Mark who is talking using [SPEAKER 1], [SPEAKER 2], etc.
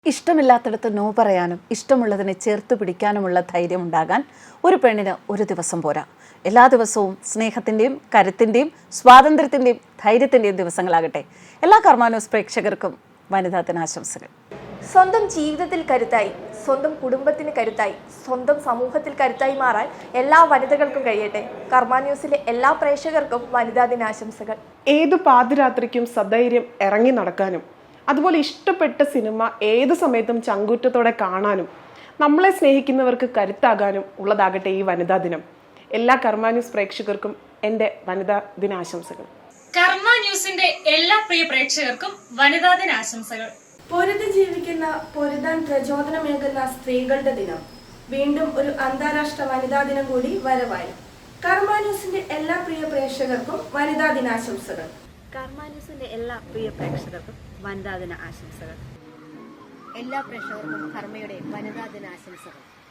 [SPEAKER 1] ഇഷ്ടമില്ലാത്തിടത്ത് no പറയാനും ഇഷ്ടമുള്ളതിനെ ചേർത്ത് പിടിക്കാനുമുള്ള ധൈര്യം ഉണ്ടാകാൻ ഒരു പെണ്ണിന് ഒരു ദിവസം പോരാ. എല്ലാ ദിവസവും സ്നേഹത്തിൻ്റെയും കരുത്തിൻ്റെയും സ്വാതന്ത്ര്യത്തിൻ്റെയും ധൈര്യത്തിൻ്റെയും ദിവസങ്ങളാകട്ടെ. എല്ലാ കർമ്മ ന്യൂസ് പ്രേക്ഷകർക്കും വനിതാ ദിനാശംസകൾ.
[SPEAKER 2] സ്വന്തം ജീവിതത്തിൽ കരുത്തായി, സ്വന്തം കുടുംബത്തിന് കരുത്തായി, സ്വന്തം സമൂഹത്തിൽ കരുത്തായി മാറാൻ എല്ലാ വനിതകൾക്കും കഴിയട്ടെ. കർമ്മ ന്യൂസിലെ എല്ലാ പ്രേക്ഷകർക്കും വനിതാ ദിനാശംസകൾ.
[SPEAKER 3] ഏതു പാതിരാത്രിക്കും സധൈര്യം ഇറങ്ങി നടക്കാനും അതുപോലെ ഇഷ്ടപ്പെട്ട സിനിമ ഏത് സമയത്തും ചങ്കൂറ്റത്തോടെ കാണാനും നമ്മളെ സ്നേഹിക്കുന്നവർക്ക് കരുത്താകാനും ഉള്ളതാകട്ടെ ഈ വനിതാ ദിനം. എല്ലാ കർമ്മ ന്യൂസ് പ്രേക്ഷകർക്കും എൻ്റെ വനിതാ ദിനാശംസകൾ.
[SPEAKER 4] കർമ്മ ന്യൂസിന്റെ എല്ലാ പ്രിയ പ്രേക്ഷകർക്കും വനിതാ ദിനാശംസകൾ.
[SPEAKER 5] പൊരുതി ജീവിക്കുന്ന, പൊരുതാൻ പ്രചോദനമേകുന്ന സ്ത്രീകളുടെ ദിനം. വീണ്ടും ഒരു അന്താരാഷ്ട്ര വനിതാ ദിനം കൂടി വരവായി. കർമ്മ ന്യൂസിന്റെ എല്ലാ പ്രിയ പ്രേക്ഷകർക്കും വനിതാ ദിനാശംസകൾ.
[SPEAKER 6] കർമ്മ ന്യൂസിന്റെ എല്ലാ പ്രിയ പ്രേക്ഷകർക്കും വനിതാ ദിന ആശംസകൾ.
[SPEAKER 7] എല്ലാ പ്രേക്ഷകർക്കും കർമ്മയുടെ വനിതാ ദിനാശംസകൾ.